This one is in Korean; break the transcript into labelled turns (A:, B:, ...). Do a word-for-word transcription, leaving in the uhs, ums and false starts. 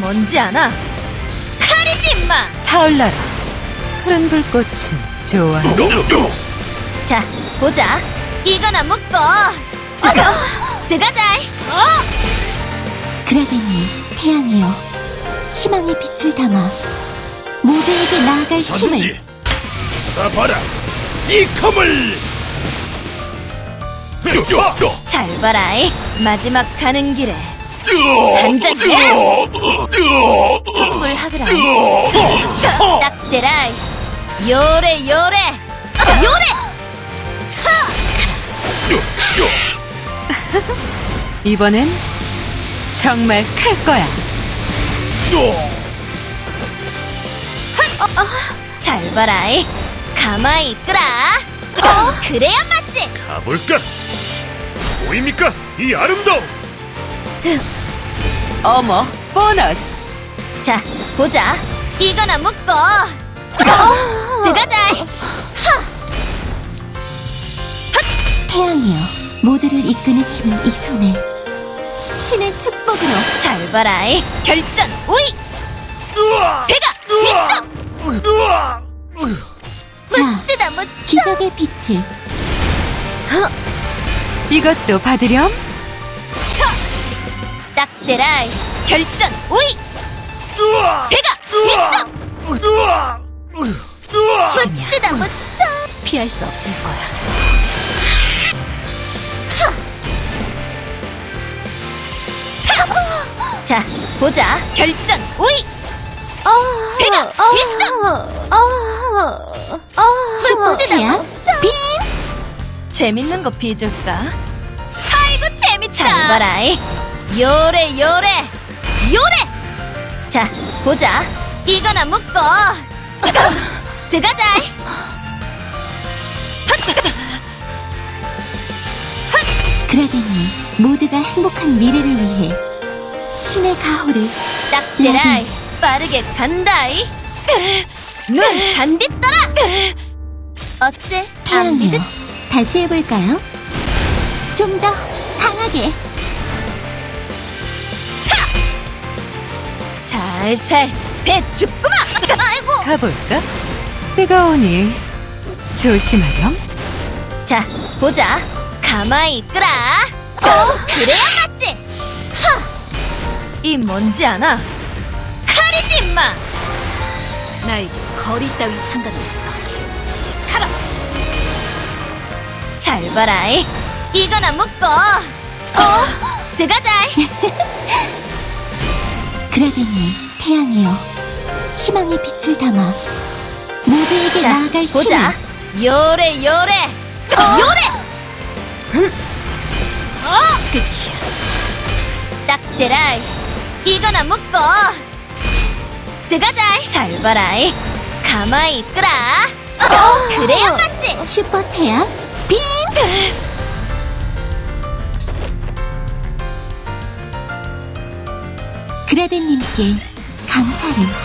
A: 뭔지 아나? 칼이지 임마!
B: 타올라라. 푸른 불꽃은 좋아해.
A: 자, 보자. 이거나 묶어. 어, 들어가자. 어?
C: 그라데니, 태양이여, 희망의 빛을 담아 모두에게 나아갈 힘을.
D: 전지 다 봐라 이 검을.
A: 잘 봐라이. 마지막 가는 길에 한잔해. 선물하거라. 딱 대라이. 요래 요래 요래.
B: 이번엔 정말 클 거야.
A: 잘 봐라이. 가만히 있거라. 어, 그래야 맞지.
D: 가볼까? 보입니까 이 아름다움.
B: 어머, 보너스.
A: 자, 보자. 이거나 묶어. 어, 들어가자.
C: 태양이여, 모두를 이끄는 힘은 이 손에. 신의 축복으로.
A: 잘 봐라이. 결전 오이. 배가 있어. 멋지다 멋져.
C: 기적의 빛을.
B: 이것도 받으렴.
A: 딱 대라이. 결전 오이. 배가 있어. 멋지다 멋져. 피할 수 없을 거야. 자, 보자. 결전 오이. 배가 있어.
C: 슈퍼태양 빔.
A: 재밌는 거 비줄까? 아이고 재밌다. 잘 봐라이. 요래 요래 요래. 자, 보자. 이거나 묶어. 들어가자.
C: 그라데니, 모두가 행복한 미래를 위해 신의 가호를.
A: 딱 대라이. 빠르게 간다이. 눈 단디 떠라. 어째 안
C: 태양이여,
A: 믿으?
C: 다시 해볼까요? 좀 더 강하게.
A: 차! 살살 배 죽구마. 아이고.
B: 가볼까? 뜨거우니 조심하렴.
A: 자, 보자. 가만히 있거라. 어, 그래야 맞지. 하! 이 뭔지 아나? 칼이지 임마. 나에게 거리 따위 상관없어. 가라. 잘 봐라이. 이거나 묶어. 어, 들어가자.
C: 그라데니, 태양이여, 희망의 빛을 담아 모두에게
A: 자,
C: 나아갈
A: 보자.
C: 힘을.
A: 요래 요래 요래. 어, 그치. 딱 대라이. 이거나 묶어. 들어가자. 잘 봐라이. 가만히 있거라. 어, 그래야 맞지.
C: 슈퍼태양 빔. 그라데님께 감사를.